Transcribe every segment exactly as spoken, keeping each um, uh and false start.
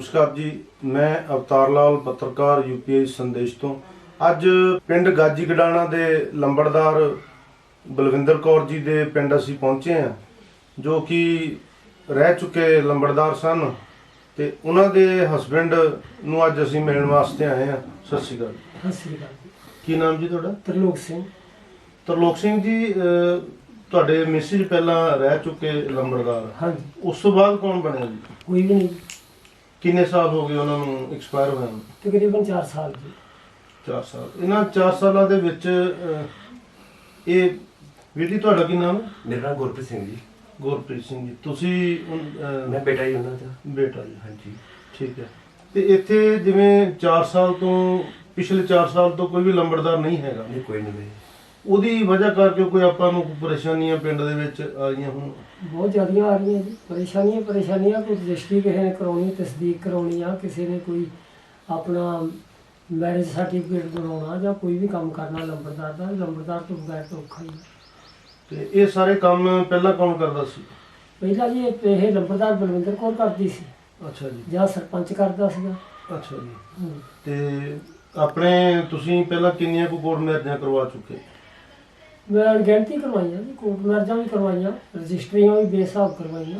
नमस्कार जी, मैं अवतार लाल पत्रकार यूपीआई संदेश तो ਅੱਜ ਪਿੰਡ ਗਾਜੀ ਗਡਾਣਾ ਦੇ ਲੰਬੜਦਾਰ ਬਲਵਿੰਦਰ ਕੌਰ ਜੀ ਦੇ ਪਿੰਡ ਅਸੀਂ ਪਹੁੰਚੇ ਹਾਂ, ਜੋ ਕਿ ਰਹਿ ਚੁੱਕੇ ਲੰਬੜਦਾਰ ਸਨ ਤੇ ਉਹਨਾਂ ਦੇ ਹਸਬੈਂਡ ਨੂੰ ਅੱਜ ਅਸੀਂ ਮਿਲਣ ਵਾਸਤੇ ਆਏ ਹਾਂ। ਸਤਿ ਸ਼੍ਰੀ ਅਕਾਲ। ਸਤਿ ਸ਼੍ਰੀ ਅਕਾਲ ਜੀ। ਕੀ ਨਾਮ ਜੀ ਤੁਹਾਡਾ? ਤਰਲੋਕ ਸਿੰਘ। ਤਰਲੋਕ ਸਿੰਘ ਜੀ, ਤੁਹਾਡੇ ਮਿਸਿਜ ਪਹਿਲਾਂ ਰਹਿ ਚੁੱਕੇ ਲੰਬੜਦਾਰ? ਹਾਂਜੀ। ਉਸ ਤੋਂ ਬਾਅਦ ਕੌਣ ਬਣਿਆ ਜੀ? ਕੋਈ ਵੀ ਨਹੀਂ। ਕਿੰਨੇ ਸਾਲ ਹੋ ਗਏ ਉਹਨਾਂ ਨੂੰ ਐਕਸਪਾਇਰ ਹੋਇਆ ਨੂੰ? ਤਕਰੀਬਨ ਚਾਰ ਸਾਲ ਜੀ। ਚਾਰ ਸਾਲ। ਇਹਨਾਂ ਚਾਰ ਸਾਲਾਂ ਦੇ ਵਿੱਚ ਇਹ ਵੀਰ ਜੀ, ਤੁਹਾਡਾ ਕੀ ਨਾਮ ਹੈ? ਮੇਰਾ ਨਾਮ ਗੁਰਪ੍ਰੀਤ ਸਿੰਘ ਜੀ। ਗੁਰਪ੍ਰੀਤ ਸਿੰਘ ਜੀ, ਤੁਸੀਂ ਮੈਂ ਬੇਟਾ ਜੀ ਉਹਨਾਂ ਦਾ। ਬੇਟਾ ਜੀ, ਹਾਂਜੀ ਠੀਕ ਹੈ। ਤੇ ਇੱਥੇ ਜਿਵੇਂ ਚਾਰ ਸਾਲ ਤੋਂ ਪਿਛਲੇ ਚਾਰ ਸਾਲ ਤੋਂ ਕੋਈ ਵੀ ਲੰਬੜਦਾਰ ਨਹੀਂ ਹੈਗਾ? ਨਹੀਂ, ਕੋਈ ਨਹੀਂ। ਉਹਦੀ ਵਜ੍ਹਾ ਕਰਕੇ ਕੋਈ ਆਪਾਂ ਨੂੰ ਕੋਈ ਪਰੇਸ਼ਾਨੀਆਂ ਪਿੰਡ ਦੇ ਵਿੱਚ ਆਈਆਂ ਹੁਣ? ਬਹੁਤ ਜ਼ਿਆਦੀਆਂ ਆ ਰਹੀਆਂ ਜੀ ਪਰੇਸ਼ਾਨੀਆਂ ਪਰੇਸ਼ਾਨੀਆਂ ਕੋਈ ਰਜਿਸਟਰੀ ਕਿਸੇ ਨੇ ਕਰਾਉਣੀ, ਤਸਦੀਕ ਕਰਾਉਣੀ ਆ, ਕਿਸੇ ਨੇ ਕੋਈ ਆਪਣਾ ਮੈਰਿਜ ਸਰਟੀਫਿਕੇਟ ਬਣਾਉਣਾ ਜਾਂ ਕੋਈ ਵੀ ਕੰਮ ਕਰਨਾ ਲੰਬੜਦਾਰ ਦਾ, ਲੰਬੜਦਾਰ ਤੋਂ ਬਗੈਰ ਤਾਂ ਔਖਾ ਹੀ ਆ। ਤੇ ਇਹ ਸਾਰੇ ਕੰਮ ਪਹਿਲਾਂ ਕੌਣ ਕਰਦਾ ਸੀ? ਪਹਿਲਾਂ ਜੀ ਇਹ ਇਹ ਲੰਬੜਦਾਰ ਬਲਵਿੰਦਰ ਕੌਰ ਕਰਦੀ ਸੀ। ਅੱਛਾ ਜੀ। ਜਾਂ ਸਰਪੰਚ ਕਰਦਾ ਸੀਗਾ। ਅੱਛਾ ਜੀ। ਤੇ ਆਪਣੇ ਤੁਸੀਂ ਪਹਿਲਾਂ ਕਿੰਨੀਆਂ ਕੁ ਕੋਰਟ ਮੈਰਿਜਾਂ ਕਰਵਾ ਚੁੱਕੇ? ਮੈਂ ਗਿਣਤੀ ਕਰਵਾਈਆਂ ਜੀ, ਕੋਰਟ ਮੈਰਿਜਾਂ ਵੀ ਕਰਵਾਈਆਂ, ਰਜਿਸਟਰੀਆਂ ਵੀ ਬੇਹਿਸਾਬ ਕਰਵਾਈਆਂ।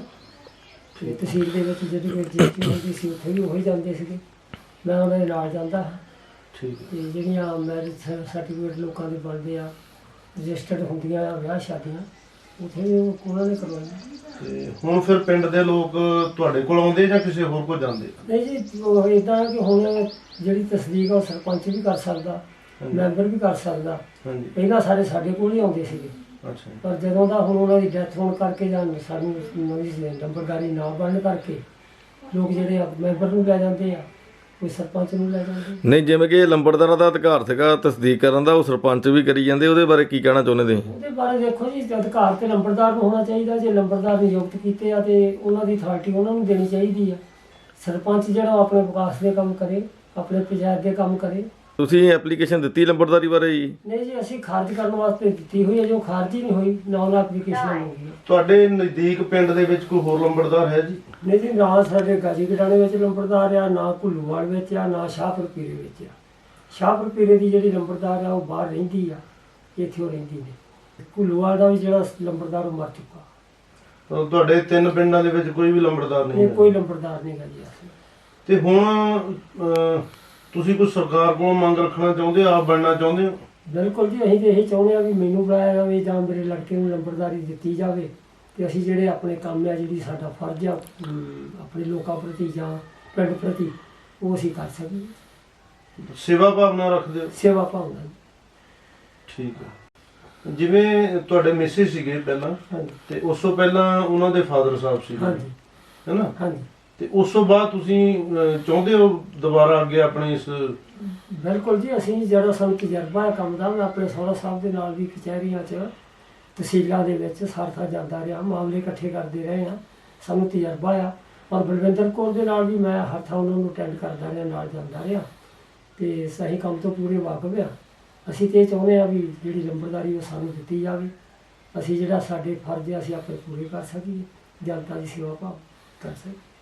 ਤੇ ਤਹਿਸੀਲ ਦੇ ਵਿੱਚ ਜਿਹੜੀ ਕੋਈ ਰਜਿਸਟਰੀ ਹੁੰਦੀ ਸੀ ਉੱਥੇ ਵੀ ਉਹੀ ਜਾਂਦੇ ਸੀਗੇ, ਮੈਂ ਉਹਨਾਂ ਦੇ ਨਾਲ ਜਾਂਦਾ ਹਾਂ। ਠੀਕ ਹੈ। ਤੇ ਜਿਹੜੀਆਂ ਮੈਰਿਜ ਸਰਟੀਫਿਕੇਟ ਲੋਕਾਂ ਦੇ ਬਣਦੇ ਆ, ਰਜਿਸਟਰਡ ਹੁੰਦੀਆਂ ਆ ਵਿਆਹ ਸ਼ਾਦੀਆਂ, ਉੱਥੇ ਵੀ ਉਹਨਾਂ ਨੇ ਕਰਵਾਈਆਂ। ਤੇ ਹੁਣ ਫਿਰ ਪਿੰਡ ਦੇ ਲੋਕ ਤੁਹਾਡੇ ਕੋਲ ਆਉਂਦੇ ਜਾਂ ਕਿਸੇ ਹੋਰ ਕੋਲ ਜਾਂਦੇ? ਨਹੀਂ ਜੀ, ਉਹ ਇੱਦਾਂ ਕਿ ਹੁਣ ਜਿਹੜੀ ਤਸਦੀਕ ਆ ਉਹ ਸਰਪੰਚ ਵੀ ਕਰ ਸਕਦਾ, ਮੈਂਬਰ ਵੀ ਕਰ ਸਕਦਾ। ਹਾਂਜੀ। ਪਹਿਲਾਂ ਸਾਰੇ ਸਾਡੇ ਕੋਲ ਹੀ ਆਉਂਦੇ ਸੀਗੇ। ਅੱਛਾ। ਪਰ ਜਦੋਂ ਦਾ ਹੁਣ ਉਹਨਾਂ ਦੀ ਡੈਥ ਹੋਣ ਕਰਕੇ ਜਾਂ ਸਾਨੂੰ ਨਵੀਂ ਨੰਬਰਦਾਰੀ ਨਾ ਬਣਨ ਕਰਕੇ ਲੋਕ ਜਿਹੜੇ ਆ ਮੈਂਬਰ ਨੂੰ ਲੈ ਜਾਂਦੇ ਆ, ਕੋਈ ਸਰਪੰਚ ਨੂੰ ਲੈ ਜਾਂਦੇ। ਨਹੀਂ, ਜਿਵੇਂ ਕਿ ਲੰਬੜਦਾਰਾਂ ਦਾ ਅਧਿਕਾਰ ਸੀਗਾ ਤਸਦੀਕ ਕਰਨ ਦਾ, ਉਹ ਸਰਪੰਚ ਵੀ ਕਰੀ ਜਾਂਦੇ, ਉਹਦੇ ਬਾਰੇ ਕੀ ਕਹਿਣਾ ਚਾਹੁੰਦੇ ਤੁਸੀਂ? ਉਹਦੇ ਬਾਰੇ ਦੇਖੋ ਜੀ, ਅਧਿਕਾਰ ਤੇ ਲੰਬੜਦਾਰ ਨੂੰ ਹੋਣਾ ਚਾਹੀਦਾ। ਜੇ ਲੰਬੜਦਾਰ ਨਿਯੁਕਤ ਕੀਤੇ ਆ ਤੇ ਉਹਨਾਂ ਦੀ ਅਥਾਰਟੀ ਉਹਨਾਂ ਨੂੰ ਦੇਣੀ ਚਾਹੀਦੀ ਆ। ਸਰਪੰਚ ਜਿਹੜਾ ਆਪਣੇ ਵਿਕਾਸ ਦੇ ਕੰਮ ਕਰੇ, ਆਪਣੇ ਪੰਚਾਇਤ ਦੇ ਕੰਮ ਕਰੇ। ਤੁਸੀਂ ਐਪਲੀਕੇਸ਼ਨ ਦਿੱਤੀ ਲੰਬੜਦਾਰੀ ਬਾਰੇ ਜੀ? ਨਹੀਂ ਜੀ, ਅਸੀਂ ਖਾਰਜ ਕਰਨ ਵਾਸਤੇ ਦਿੱਤੀ ਹੋਈ ਹੈ, ਜੋ ਖਾਰਜ ਹੀ ਨਹੀਂ ਹੋਈ, ਨਾ ਉਹਨਾਂ ਐਪਲੀਕੇਸ਼ਨ ਮੰਗੀ। ਤੁਹਾਡੇ ਨਜ਼ਦੀਕ ਪਿੰਡ ਦੇ ਵਿੱਚ ਕੋਈ ਹੋਰ ਲੰਬੜਦਾਰ ਹੈ ਜੀ? ਨਹੀਂ ਜੀ, ਨਾ ਸਾਡੇ ਗਾਜੀ ਗਡਾਣੇ ਵਿੱਚ ਲੰਬੜਦਾਰ ਆ, ਨਾ ਘੁੱਲੂਵਾਲ ਵਿੱਚ ਆ, ਨਾ ਸ਼ਾਹਪੁਰ ਪੀਰੇ ਵਿੱਚ ਆ। ਸ਼ਾਹਪੁਰ ਪੀਰੇ ਦੀ ਜਿਹੜੀ ਲੰਬੜਦਾਰ ਆ ਉਹ ਬਾਹਰ ਰਹਿੰਦੀ ਆ, ਇੱਥੇ ਉਹ ਰਹਿੰਦੀ ਨੇ। ਘੁੱਲੂਵਾਲ ਦਾ ਵੀ ਜਿਹੜਾ ਲੰਬੜਦਾਰ ਉਹ ਮਰ ਚੁੱਕਾ। ਤਾਂ ਤੁਹਾਡੇ ਤਿੰਨ ਪਿੰਡਾਂ ਦੇ ਵਿੱਚ ਕੋਈ ਵੀ ਲੰਬੜਦਾਰ ਨਹੀਂ ਇਹ ਹੈ? ਕੋਈ ਲੰਬੜਦਾਰ ਨਹੀਂ ਗਾ ਜੀ। ਅਸੀਂ ਤੇ ਹੁਣ ਅਹ, ਤੁਸੀਂ ਕੋਈ ਸਰਕਾਰ ਕੋਲੋਂ ਮੰਗ ਰੱਖਣਾ ਚਾਹੁੰਦੇ ਹੋ, ਆਪ ਬਣਨਾ ਚਾਹੁੰਦੇ ਹੋ? ਬਿਲਕੁਲ ਜੀ, ਅਸੀਂ ਤਾਂ ਇਹੀ ਚਾਹੁੰਦੇ ਹਾਂ ਵੀ ਮੈਨੂੰ ਬੁਲਾਇਆ ਜਾਵੇ ਜਾਂ ਮੇਰੇ ਲੜਕੇ ਨੂੰ ਲੰਬੜਦਾਰੀ ਦਿੱਤੀ ਜਾਵੇ ਤੇ ਅਸੀਂ ਜਿਹੜੇ ਆਪਣੇ ਕੰਮ ਆ, ਜਿਹੜੀ ਸਾਡਾ ਫਰਜ਼ ਆ ਆਪਣੇ ਲੋਕਾਂ ਪ੍ਰਤੀ ਜਾਂ ਪਿੰਡ ਪ੍ਰਤੀ, ਉਹ ਅਸੀਂ ਕਰ ਸਕੀਏ। ਸੇਵਾ ਭਾਵਨਾ ਰੱਖਦੇ ਹੋ? ਸੇਵਾ ਭਾਵਨਾ। ਠੀਕ ਹੈ। ਜਿਵੇਂ ਤੁਹਾਡੇ ਮਿਸਿਸ ਸੀਗੇ ਪਹਿਲਾਂ, ਹਾਂਜੀ ਤੇ ਉਸ ਤੋਂ ਪਹਿਲਾਂ ਉਹਨਾਂ ਦੇ ਫਾਦਰ ਸਾਹਿਬ ਸੀਗੇ, ਹਾਂਜੀ ਹੈ ਨਾ? ਹਾਂਜੀ। ਤੇ ਉਸ ਤੋਂ ਬਾਅਦ ਤੁਸੀਂ ਅਹ, ਚਾਹੁੰਦੇ ਹੋ ਦੁਬਾਰਾ ਅੱਗੇ ਆਪਣੇ ਇਸ? ਬਿਲਕੁਲ ਜੀ, ਅਸੀਂ ਜਿਹੜਾ ਸਾਨੂੰ ਤਜਰਬਾ ਹੈ ਕੰਮ ਦਾ, ਮੈਂ ਆਪਣੇ ਸਹੁਰਾ ਸਾਹਿਬ ਦੇ ਨਾਲ ਵੀ ਕਚਹਿਰੀਆਂ 'ਚ ਤਹਿਸੀਲਾਂ ਦੇ ਵਿੱਚ ਸਰਥਾ ਜਾਂਦਾ ਰਿਹਾ, ਮਾਮਲੇ ਇਕੱਠੇ ਕਰਦੇ ਰਹੇ ਹਾਂ, ਸਾਨੂੰ ਤਜਰਬਾ ਆ। ਔਰ ਬਲਵਿੰਦਰ ਕੌਰ ਦੇ ਨਾਲ ਵੀ ਮੈਂ ਹਰ ਥਾਂ ਉਹਨਾਂ ਨੂੰ ਅਟੈਂਡ ਕਰਦਾ ਰਿਹਾ, ਨਾਲ ਜਾਂਦਾ ਰਿਹਾ, ਤੇ ਸਹੀ ਕੰਮ ਤੋਂ ਪੂਰੇ ਵਾਕਫ ਆ। ਅਸੀਂ ਤਾਂ ਇਹ ਚਾਹੁੰਦੇ ਹਾਂ ਵੀ ਜਿਹੜੀ ਲੰਬੜਦਾਰੀ ਉਹ ਸਾਨੂੰ ਦਿੱਤੀ ਜਾਵੇ, ਅਸੀਂ ਜਿਹੜਾ ਸਾਡੇ ਫਰਜ਼ ਆ ਅਸੀਂ ਆਪਣੇ ਪੂਰੇ ਕਰ ਸਕੀਏ, ਜਨਤਾ ਦੀ ਸੇਵਾ ਭਾਵ ਕਰ ਸਕੀਏ।